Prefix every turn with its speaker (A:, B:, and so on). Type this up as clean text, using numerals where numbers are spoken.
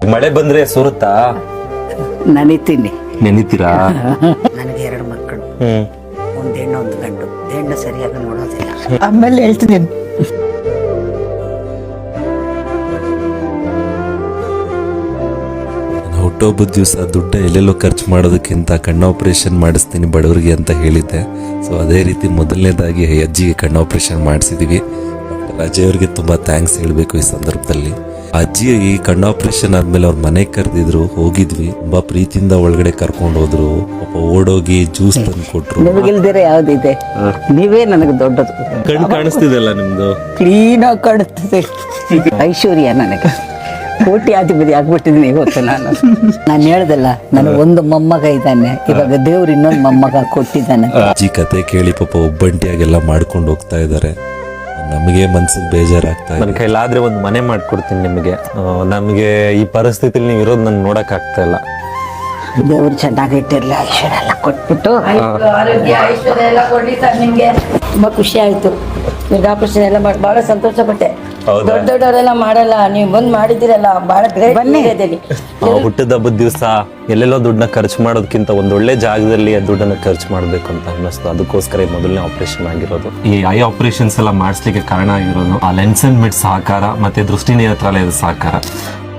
A: ಮಳೆ ಬಂದ್ರೆ ಸುರುತ್ತಾ?
B: ನನಿತೀನಿ.
A: ನೆನಿತೀರಾ?
C: ನನಗೆ 2 ಮಕ್ಕಳು, ಒಂದು ಹೆಣ್ಣು ಒಂದು ಗಂಡು. ಹೆಣ್ಣು ಸರಿಯಾಗಿ ನೋಡೋದಿಲ್ಲ.
B: ಆಮೇಲೆ ಹೇಳ್ತೀನಿ.
D: ಹುಟ್ಟುಹಬ್ಬದ ದಿವಸ ದುಡ್ಡ ಎಲ್ಲೆಲ್ಲೋ ಖರ್ಚು ಮಾಡೋದಕ್ಕಿಂತ ಕಣ್ಣು ಆಪರೇಷನ್ ಮಾಡಿಸ್ತೀನಿ ಬಡವರಿಗೆ ಅಂತ ಹೇಳಿದ್ದೆ. ಸೊ ಅದೇ ರೀತಿ ಮೊದಲನೇದಾಗಿ ಅಜ್ಜಿಗೆ ಕಣ್ಣು ಆಪರೇಷನ್ ಮಾಡಿಸಿದ್ವಿ. ಡಾಕ್ಟರ್ ಅಜಯ್ ಅವ್ರಿಗೆ ತುಂಬ ಥ್ಯಾಂಕ್ಸ್ ಹೇಳಬೇಕು ಈ ಸಂದರ್ಭದಲ್ಲಿ. ಅಜ್ಜಿ ಈ ಕಣ್ಣು ಆಪರೇಷನ್ ಆದ್ಮೇಲೆ ಅವ್ರ ಮನೆಗೆ ಕರೆದಿದ್ರು, ಹೋಗಿದ್ವಿ. ತುಂಬಾ ಪ್ರೀತಿಯಿಂದ ಒಳಗಡೆ ಕರ್ಕೊಂಡು ಹೋದ್ರು. ಪಾಪ ಓಡೋಗಿ ಜ್ಯೂಸ್ ತಂದು ಕೊಟ್ರು.
B: ನಿಮಗಿಲ್ದಿರ ಯಾವ್ದಿದೆ? ನೀವೇ ನನಗೆ ದೊಡ್ಡದು.
A: ಕಣ್ಣು ಕಾಣಿಸ್ತಿದೆಲ್ಲ ನಿಮ್ದು,
B: ಕ್ಲೀನ್ ಆಗಿ ಕಾಣುತ್ತದೆ. ಐಶ್ವರ್ಯ ನನಗೆ. ಕೋಟ್ಯಾಧಿಪತಿ ಆಗ್ಬಿಟ್ಟಿದ್ದೀನಿ ಇವತ್ತು ನಾನು ಹೇಳ್ದಲ್ಲ, ನನಗೆ ಒಂದು ಮೊಮ್ಮಗ ಇದ್ದಾನೆ. ಇವಾಗ ದೇವ್ರು ಇನ್ನೊಂದು ಮೊಮ್ಮಗ ಕೊಟ್ಟಿದ್ದಾನೆ.
D: ಅಜ್ಜಿ ಕತೆ ಕೇಳಿ ಪಾಪ ಒಬ್ಬಂಟಿಯಾಗೆಲ್ಲ ಮಾಡ್ಕೊಂಡು ಹೋಗ್ತಾ ಇದ್ದಾರೆ. ನಮಗೆ ಮನ್ಸಿಗೆ ಬೇಜಾರಾಗ್ತಾ
A: ನನ್ನ
D: ಇದೆ.
A: ಕೈಲಾದ್ರೆ ಒಂದು ಮನೆ ಮಾಡ್ಕೊಡ್ತೀನಿ ನಿಮಗೆ. ನಮಗೆ ಈ ಪರಿಸ್ಥಿತಿಲಿ ನೀವು ಇರೋದು ನನ್ಗೆ ನೋಡಕ್ ಆಗ್ತಾ ಇಲ್ಲ.
B: ದೇವ್ರು ಚೆನ್ನಾಗಿಟ್ಟಿರ್ಲಿ, ಐಶ್ವರ್ಯ ಎಲ್ಲ ಕೊಟ್ಬಿಟ್ಟು.
E: ಆರೋಗ್ಯ ಐಶ್ವರ್ಯ ಎಲ್ಲ ಕೊಡ್ಲಿ ಸರ್ ನಿಮ್ಗೆ. ತುಂಬಾ ಖುಷಿ ಆಯ್ತು. ನೀವು ಆಪರೇಷನ್ ಎಲ್ಲ ಮಾಡಿ ಬಹಳ ಸಂತೋಷ ಪಟ್ಟೆ.
A: ಹೌದಾ?
E: ದೊಡ್ಡವರೆಲ್ಲ ಮಾಡಲ್ಲ, ನೀವು ಬಂದ್ ಮಾಡಿದಿರಲ್ಲ, ಬಹಳ ಗ್ರೇಟ್.
B: ಬನ್ನಿ.
A: ಹುಟ್ಟಿದ ಹಬ್ಬದ ದಿವಸ ಎಲ್ಲೆಲ್ಲೋ ದುಡ್ಡನ್ನ ಖರ್ಚು ಮಾಡೋದಕ್ಕಿಂತ ಒಂದೊಳ್ಳೆ ಜಾಗದಲ್ಲಿ ಆ ದುಡ್ಡನ್ನ ಖರ್ಚು ಮಾಡ್ಬೇಕು ಅಂತ ಅನ್ನಿಸ್ತು. ಅದಕ್ಕೋಸ್ಕರ ಮೊದಲನೇ ಆಪರೇಷನ್ ಆಗಿರೋದು. ಈ ಐ ಆಪರೇಷನ್ಸ್ ಎಲ್ಲ ಮಾಡಿಸ್ಲಿಕ್ಕೆ ಕಾರಣ ಆಗಿರೋದು ಆ ಲೆನ್ಸ್ ಅಂಡ್ ಮಿಡ್ ಸಹಕಾರ ಮತ್ತೆ ದೃಷ್ಟಿ ನೇತ್ರಾಲಯದ ಸಹಕಾರ.